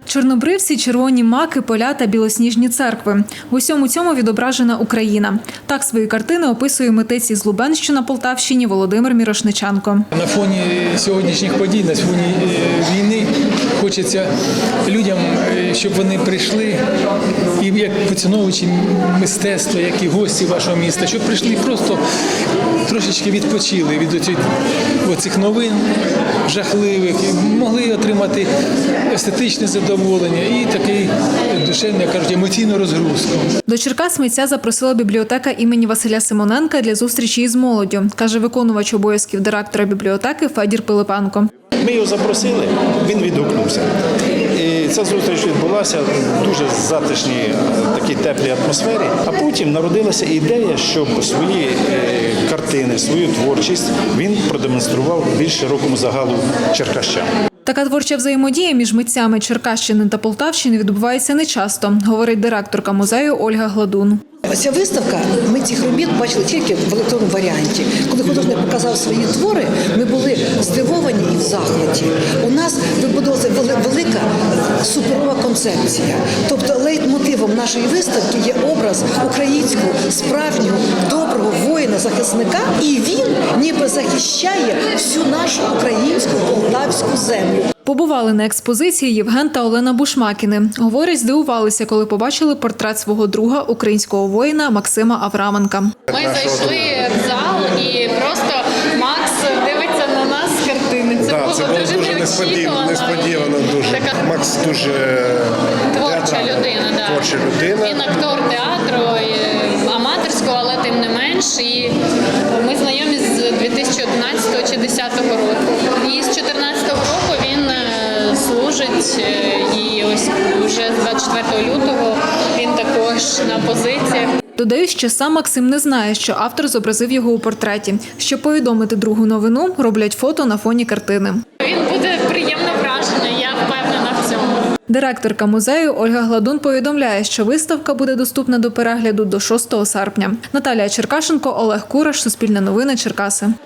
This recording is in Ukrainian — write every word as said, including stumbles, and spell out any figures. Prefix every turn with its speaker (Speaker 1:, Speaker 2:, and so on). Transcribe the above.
Speaker 1: Чорнобривці, червоні маки, поля та білосніжні церкви. В усьому цьому відображена Україна. Так свої картини описує митець із Лубенщини на Полтавщині Володимир Мірошниченко.
Speaker 2: На фоні сьогоднішніх подій, на фоні війни хочеться людям, щоб вони прийшли, і як поціновувачі мистецтва, як і гості вашого міста, щоб прийшли просто трошечки відпочили від оцих, оцих новин жахливих, і могли отримати естетичне задоволення і такий душевний, як кажуть, емоційну розгрузку.
Speaker 1: До Черкас митця запросила бібліотека імені Василя Симоненка для зустрічі із молоддю, каже виконувач обов'язків директора бібліотеки Федір Пилипенко.
Speaker 3: Ми його запросили, він відгукнувся. І ця зустріч відбулася в дуже затишній, такій теплій атмосфері. А потім народилася ідея, щоб свої картини, свою творчість він продемонстрував більш широкому загалу черкащан.
Speaker 1: Така творча взаємодія між митцями Черкащини та Полтавщини відбувається нечасто, говорить директорка музею Ольга Гладун.
Speaker 4: Ця виставка, ми цих робіт бачили тільки в електронному варіанті. Коли художник показав свої твори, ми були здивовані і в захваті. У нас вибудовувалася велика суперова концепція. Тобто лейтмотивом нашої виставки є образ українського, справжнього, доброго воїна-захисника, і він ніби захищає всю нашу українську полтавську землю.
Speaker 1: Побували на експозиції Євген та Олена Бушмакіни. Говорять, здивувалися, коли побачили портрет свого друга, українського воїна Максима Авраменка.
Speaker 5: Ми зайшли в зал і просто Макс дивиться на нас з картини. Це,
Speaker 6: да,
Speaker 5: було,
Speaker 6: це було дуже, дуже несподівано. несподівано дуже.
Speaker 5: Така...
Speaker 6: Макс дуже
Speaker 5: творча людина. Да.
Speaker 6: Творча людина.
Speaker 5: Він актор театру, аматорського, але тим не менш. І ми знайомі з дві тисячі одинадцятого чи дві тисячі десятого року. І з чотирнадцятого року він служить, і ось вже з двадцять четвертого лютого він також на позиціях.
Speaker 1: Додають, що сам Максим не знає, що автор зобразив його у портреті. Щоб повідомити другу новину, роблять фото на фоні картини.
Speaker 5: Він буде приємно вражений, я впевнена в цьому.
Speaker 1: Директорка музею Ольга Гладун повідомляє, що виставка буде доступна до перегляду до шостого серпня. Наталія Черкашенко, Олег Кураш, Суспільне новини, Черкаси.